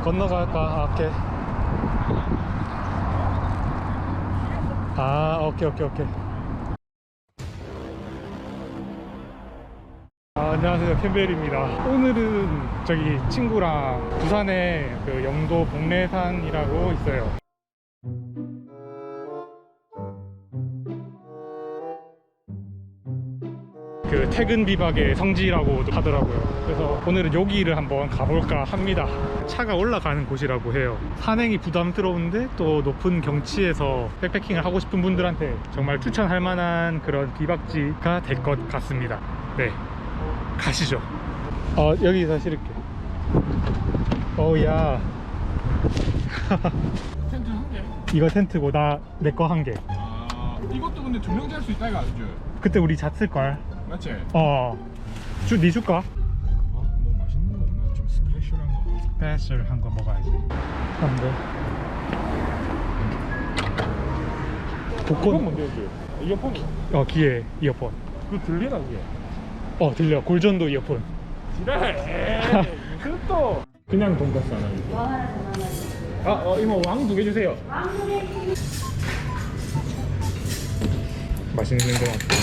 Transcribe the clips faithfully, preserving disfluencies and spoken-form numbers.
건너갈까? 아, 오케이. 아, 오케이, 오케이, 오케이. 아, 안녕하세요, 캠벨입니다. 오늘은 저기 친구랑 부산에 그 영도 복례산이라고 있어요. 그 퇴근 비박의 성지라고 하더라고요. 그래서 오늘은 여기를 한번 가볼까 합니다. 차가 올라가는 곳이라고 해요. 산행이 부담스러운데 또 높은 경치에서 백패킹을 하고 싶은 분들한테 정말 추천할 만한 그런 비박지가 될 것 같습니다. 네, 가시죠. 어, 여기서 실을게. 어우야. 텐트 한 개? 이거 텐트고 나 내 거 한 개. 아, 이것도 근데 두 명 잘 수 있다 이거 아니죠? 그때 우리 잤을걸. 맞지? 어. 주, 니 줄까? 아, 뭐 맛있는 거 없나? 좀 스페셜한 거. 스페셜한 거 먹어야지. 한데. 이건 복권. 뭔데 이게? 이어폰? 어, 귀에 이어폰. 그거 들리나 그게? 어, 들려. 골전도 이어폰. 지랄! 무슨 또? 그냥 돈가스 하나 주세요. 아, 어, 이모 왕 두 개 주세요. 맛있는 냄새 나는데.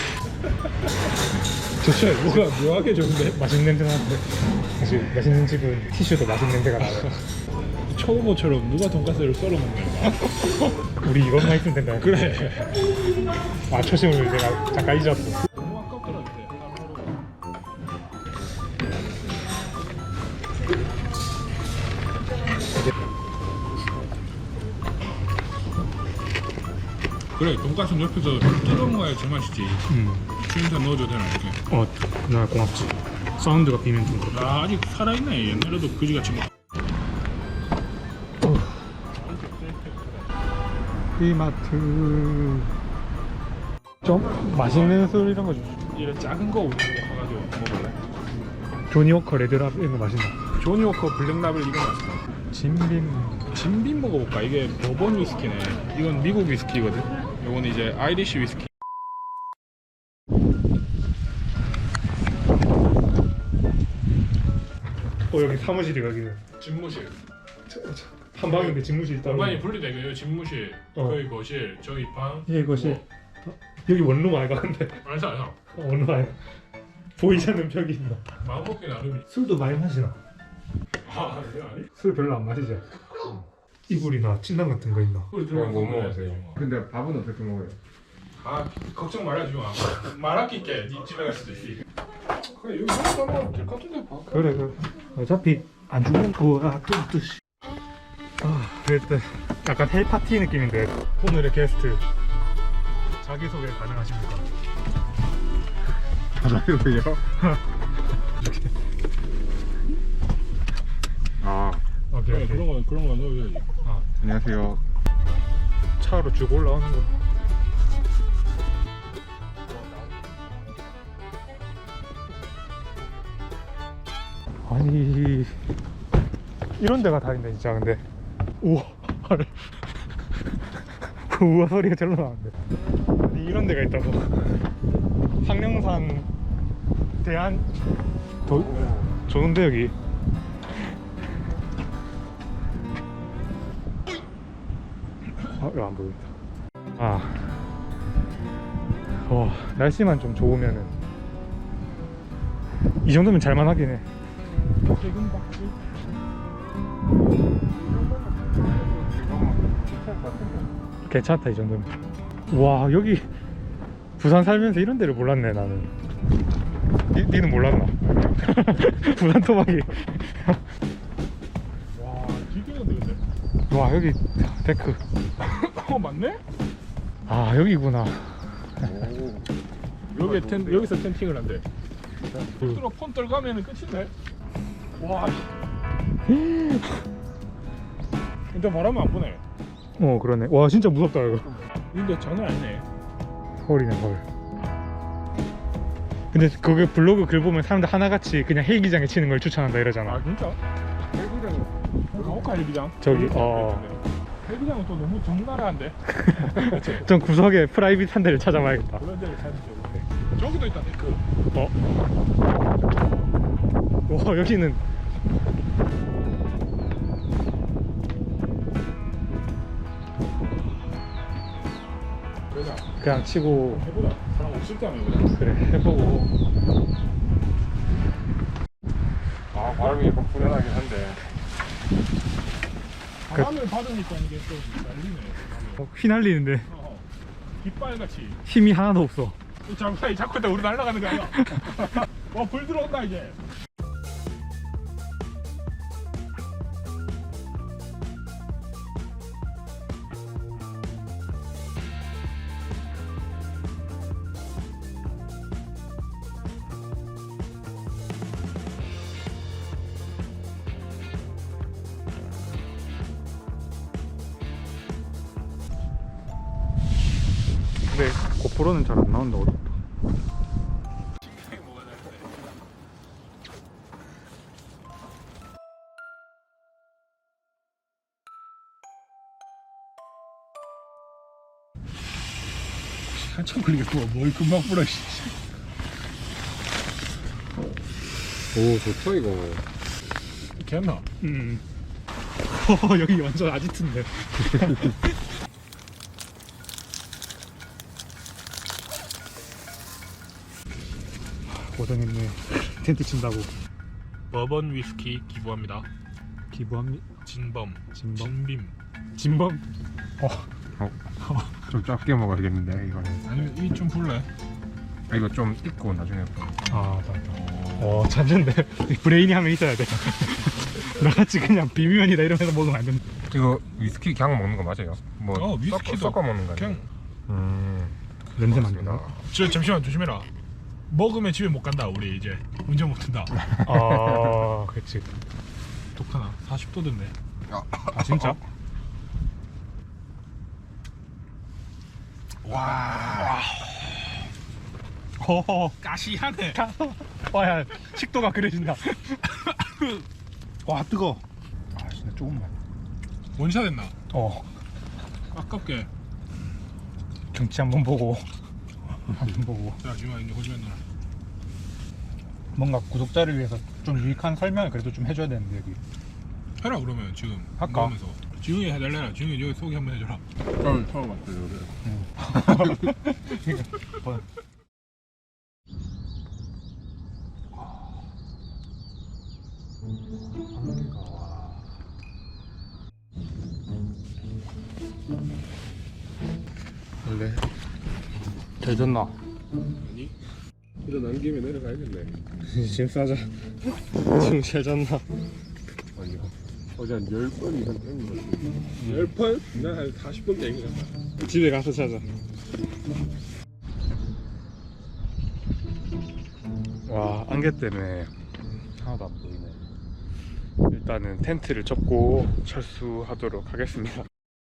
좋죠. 뭐가 묘하게 좋은데? 맛있는 냄새 나는데. 사실 맛있는 집은 티슈도 맛있는 냄새가 나요. 초보처럼 누가 돈가스를 썰어 먹는 거야? 우리 이것만 있으면 된다. 그래. 아, 초심을 내가 잠깐 잊었어. 너무 아깝더라 그때. 그래, 돈가스는 옆에서 뜯어 먹어야 제맛이지. 음. 주인장 넣어줘도 되나 이렇게? 어, 그날 고맙지. 사운드가 비면 좀 그렇다. 아, 아직 살아있네. 옛날에도 그지같이 막. 이마트. 좀 맛있는 술 이런 거 주시죠. 이런 작은 거 우리 가가지고 먹을래? 조니워커 레드랍 이런 거 맛있나? 조니워커 블랙라벨 이거 맛있어. 진빔. 진빈 먹어볼까? 이게 버번 위스키네. 이건 미국 위스키거든. 이건 이제 아이리시 위스키. 어, 여기 사무실이 여기는. 집무실. 한 방인데 집무실 있다. 공간이 분리돼. 여기 집무실, 어. 거기 거실, 저기 방. 예, 이것이 어, 여기 원룸 아이가 근데 알죠, 알죠. 어, 원룸 아이 보이지 않는 벽이 있나? 마음 먹기 나름이. 술도 많이 마시나? 아, 아니 아니. 술 별로 안 마시죠? 이불이나 침낭 같은 거 있나? 우리 들어가 뭐 먹으세요? 근데 밥은 어떻게 먹어요? 아, 걱정 말아주지 마. 말 아낄게. 네 집에 갈 수도 있지. 그래, 여기 먹다 먹으면 될 것 같은데. 봐. 그래 그래 어차피 안 죽는 거야 또 뜻이 아 그랬대 약간 헬파티 느낌인데 오늘의 게스트 자기소개 가능하십니까? 자기소개요? 아 오케이 그래, 오케이 그런 거 그런 거 넣어야지. 아, 안녕하세요. 차로 쭉 올라오는 거 아니 이런 데가 다 있네 진짜 근데 우와 우와 소리가 절로 나는데 아니 이런 데가 있다고 상령산 대한 도, 좋은데 여기 아 이거 안 보인다 아 와, 날씨만 좀 좋으면은 이 정도면 잘만 하긴 해 퇴근 박지. 괜찮다 이 정도면 와 여기 부산 살면서 이런 데를 몰랐네 나는 니, 니는 몰랐나? 부산 토막이 와, 기계인데 근데. 와 여기 데크 어, 맞네? 아 여기구나 여기 텐 여기서 텐팅을 한대. 들어 폰 떨가면은 끝인데. 와. 씨. 근데 바람은 안 부네. 어 그러네 와 진짜 무섭다 이거 근데 장난 아니네. 서울이네 서울 근데 그게 블로그 글 보면 사람들 하나같이 그냥 헬기장에 치는 걸 추천한다 이러잖아 아, 진짜? 헬기장. 가볼까 헬기장? 저기, 어. 헬기장은 또 너무 적나라한데. 그치? 좀 구석에 프라이빗한 데를 찾아봐야겠다 그런 데를 찾으죠. 저기도 있다 데크. 어? 와 여기는 해보자. 그냥 치고 해보자. 사람 없을 때 하면 해보자. 그래 해보고. 아 바람이 약간 불안하긴 한데. 바람을 받으니까 이게 또 날리네. 어, 휘날리는데 어, 깃발같이. 힘이 하나도 없어. 잠깐 자꾸 다 우리 날아가는 거 아니야? 어, 불 들어온다 이제. 근데 고프로는 잘 안 나온다 어둡다. 한참 걸리겠구만. 뭘 금방 불어. 씨. 오 좋다 이거. 괜나? 음. 어, 여기 완전 아지트인데. 고생했네. 텐트 친다고. 버번 위스키 기부합니다. 기부합니다. 진범. 진범? 진빔. 진범. 어. 좀 작게 먹어야겠는데 이거는. 아니면 이 좀 불래? 아 이거 좀 익고 나중에 또. 아 맞다. 어 잠시인데 브레인이 하면 있어야 돼. 나같이 그냥 비면이다 이러면서 먹으면 안 된다. 이거 위스키 그냥 먹는 거 맞아요? 뭐 어, 위스키도 섞어, 섞어 먹는 거 아니에요? 그냥. 음. 냄새 맡는다. 저 잠시만 조심해라. 먹으면 집에 못 간다. 우리 이제 운전 못 한다. 아 그치. 독하나? 사십 도 됐네. 아 진짜? 와. 허허. 가시하네. 와야 식도가 그려진다. 와 뜨거. 아 진짜 조금만. 원샷 했나? 어 아깝게. 경치 한번 보고 한번 보고 자 지금 이제 호주면 나. 뭔가 구독자를 위해서 좀 유익한 설명을 그래도 좀 해줘야 되는데 여기. 해라 그러면 지금. 할까? 먹으면서. 지웅이 해달래라. 지웅이 여기 소개 한번 해줘라. 처음 처음 왔어요. 뭐, 원래 잘 졌나? 아니? 일어난 김에 내려가야겠네. 짐 싸자. 지금 잘 잤나? 아니요. 어제 한 열 번 이상 땡긴 것 같아요. 열 번? 난 한 사십 번 땡긴 것 같아. 집에 가서 자자. 와 안개 때문에 하나도 안 보이네. 일단은 텐트를 접고 철수하도록 하겠습니다.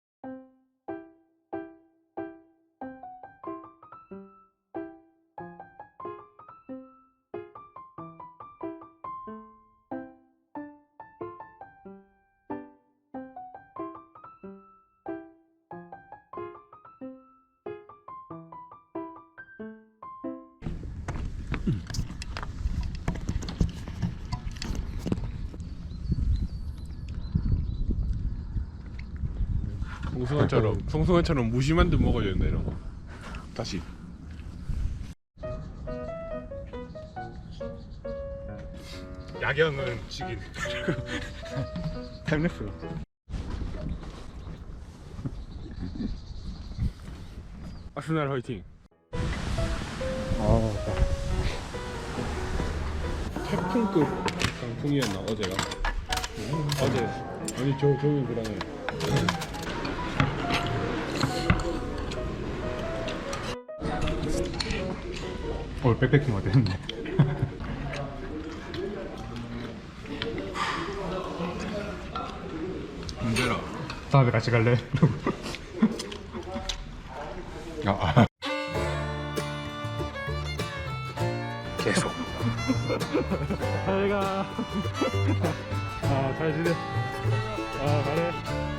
송승환처럼 송승환처럼 무심한 듯 먹어야 된다 이런 거. 다시. 야경은 죽인. 타임랩스. 아스날 화이팅. 아 태풍급 강풍이었나 어제가? 어제 아니 저 저기 그다음에 오늘 백패킹 어땠는데? 문제라. 다음에 같이 갈래? 아, 계속. 잘 가. 아, 잘 지내. 아, 잘해.